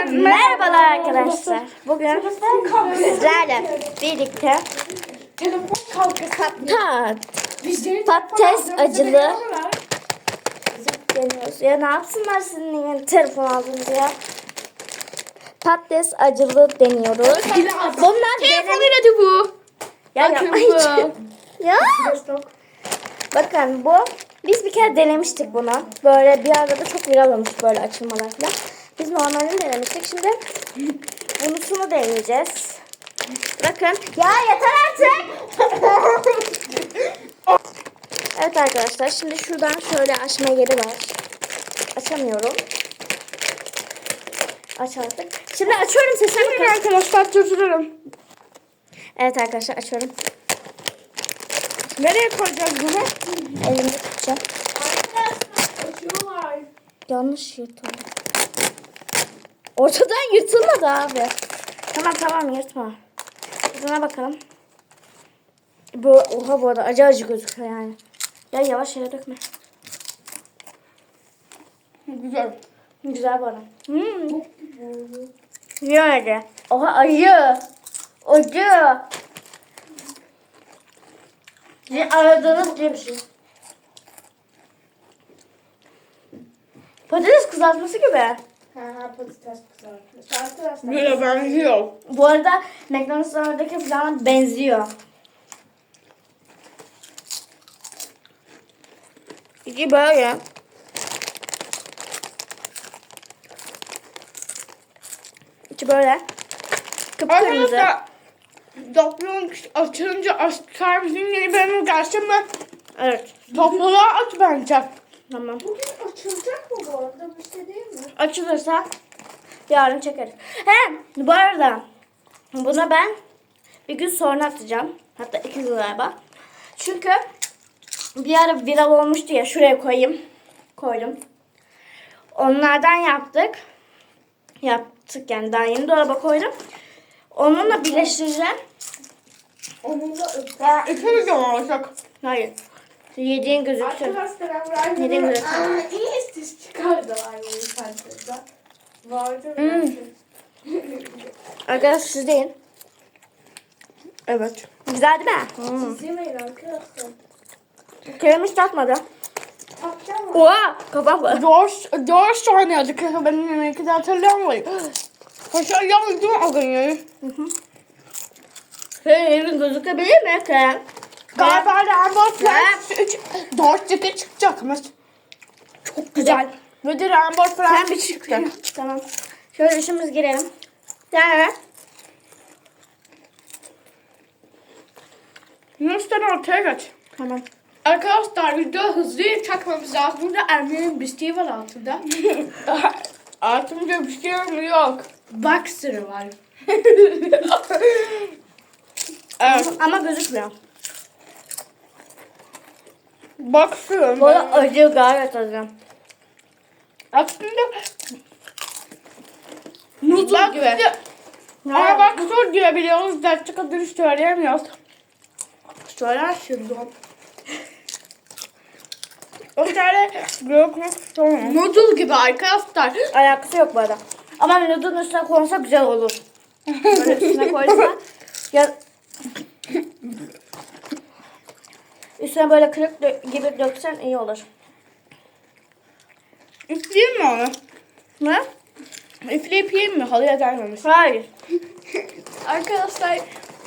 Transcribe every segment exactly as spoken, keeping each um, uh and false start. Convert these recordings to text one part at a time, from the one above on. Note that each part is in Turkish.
Merhabalar arkadaşlar. Bugün sizlerle birlikte Telefon kavgası. tat, Bizleri patates telefon acılı deniyorlar. deniyoruz. Ya ne yapsınlar sizin yeni telefon aldınız ya? Patates acılı deniyoruz. Bunlar Telefon benim... iladı bu. Ya Bakın yapmayın. bu. Ya. Bakın bu. Biz bir kere denemiştik bunu. Böyle bir arada çok viral olmuş böyle açılmalar falan. Biz normalini denemiştik. Şimdi bunusunu deneyeceğiz. Bakın. Ya yeter artık. Evet arkadaşlar. Şimdi şuradan şöyle açma yeri var. Açamıyorum. Aç artık. Şimdi açıyorum, sesine bakın. Arkadaşlar durdururum. Evet arkadaşlar açıyorum. Nereye koyacağız bunu? Elimde tutacağım. Arkadaşlar açıyorlar. Yanlış yırtıldı. Ortadan yırtılmadı abi. Tamam tamam yırtma. Tadına bakalım. Bu oha bu arada acı acı gözüküyor yani. Ya yavaş yere dökme. Güzel. Güzel bu arada. Hmm. Yani. Oha acı. Acı. Sizin aradığınız gibi bir şey. Patates kızartması gibi. Ha ha patates kızartması. Arkadaşlar. Böyle benziyor. Bu arada McDonald's'lardaki falan benziyor. İki böyle. İki böyle. Kıpkırmızı. Arkadaşlar topluluğun açılınca aşklar bizim yeni bölümü gelsin mi? Evet. Topluluğa aç bence. Tamam. Bugün açılacak mı bu arada? Bir şey değil mi? Açılırsa yarın çekeriz. He bu arada buna ben bir gün sonra atacağım. Hatta iki gün galiba. Çünkü bir ara viral olmuştu ya, şuraya koyayım. Koydum. Onlardan yaptık. Yaptık yani, daha yeni dolaba koydum. Onunla birleştireceğim. Onun da ıpra. İki video mu olacak? Hayır. Yediğin gözüksün. Arkadaşlar ben Neden böyle? Aa, iyi ses çıkardılar bu internette. Vardı Hmm. mı? Arkadaşlar siz deyin. Evet. Güzel değil mi? Hmm. Siz yemeyin arkadaşlar. Kerem hiç tatmadı. Tatacağım mı? Oha! Kapak var. Dört, dört tane yedik. Benim yemeği de hatırlayamayım. Haşa yandım o gün yani. Senin elin gözükebilir mi Kerem? Galiba Rainbow Kerem. Friends üç, dört tipi çıkacakmış. Çok güzel. Ve de Rainbow Sen Friends bir çıktı. çıktı. Tamam. Şöyle işimiz girelim. Sen Yunus'tan ortaya geç. Tamam. Arkadaşlar video hızlı çekmemiz lazım. Burada Emre'nin bisküvi var altında. Altımda bisküvi yok. Boxer var. Evet. Ama gözükmüyor. Boxer. Bu da acı, gayet acı. Aslında Noodle gibi. Ama boxer diyebiliyoruz. Gerçek adını söyleyemiyoruz. Söyler şimdi. O tane yok mu? Noodle gibi arkadaşlar. Alakası yok bu arada. Ama noodle'ın üstüne konsa güzel olur. Böyle üstüne koysa ya üstüne böyle kırık dö- gibi döksen iyi olur. Üfleyeyim mi onu? Ne? Üfleyip yiyeyim mi? Halıya gelmemiş. Hayır. Arkadaşlar.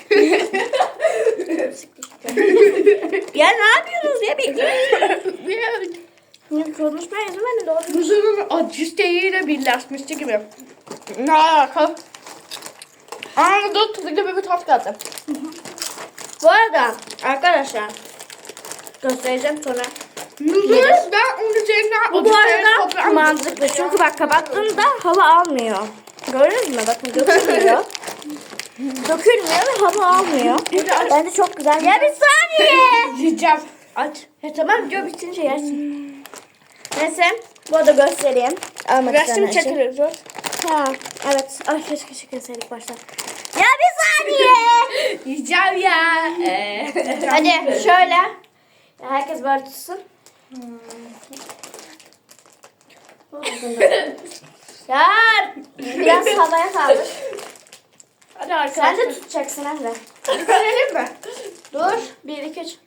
Ya ne yapıyorsunuz ya, bekleyin. Şimdi konuşmaya izin verin, doğru. Muzunun acı ile birleşmişti gibi. Ne alaka? Aa, dur tuzu gibi bir tat geldi. Bu arada arkadaşlar göstereceğim sonra. Muzun ben onun üzerinden Bu bu arada mantıklı çünkü bak kapattığında hava almıyor. Gördünüz mü? Bakın dökülmüyor. Dökülmüyor ve hava almıyor. Bence çok güzel. Ya bir saniye. Yiyeceğim. Aç. Ya tamam, video bitince yersin. Neyse bu arada göstereyim. Almak Resim isteyenler için. çekiliyor. Ha, evet. Ay keşke çekilseydik baştan. Ya bir saniye. Yiyeceğim ya. Ee, Hadi şöyle. Ya herkes böyle tutsun. Ya Biraz havaya kaldır. Hadi arkadaşlar. Sen de tutacaksın Emre. Bitirelim mi? Dur. Bir, iki, üç.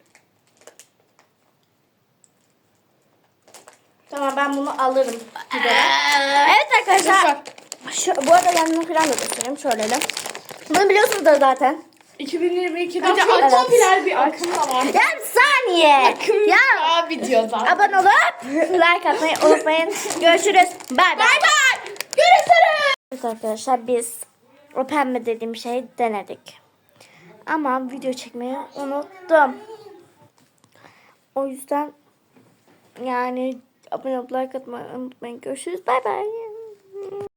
Tamam ben bunu alırım. Gidelim. Evet arkadaşlar. Şu, bu arada yanını falan da göstereyim. Şöyle de. Bunu biliyorsunuz zaten. iki bin yirmi ikide Hadi çok evet. popüler bir akım da var. Ya bir saniye. Akım Ya ya videoda. abone olup like atmayı unutmayın. Görüşürüz. Bay bay. Bay bay. Görüşürüz. Evet arkadaşlar biz o pembe dediğim şeyi denedik. Ama video çekmeyi unuttum. O yüzden yani abone olup like atmayı unutmayın. Görüşürüz. Bay bay.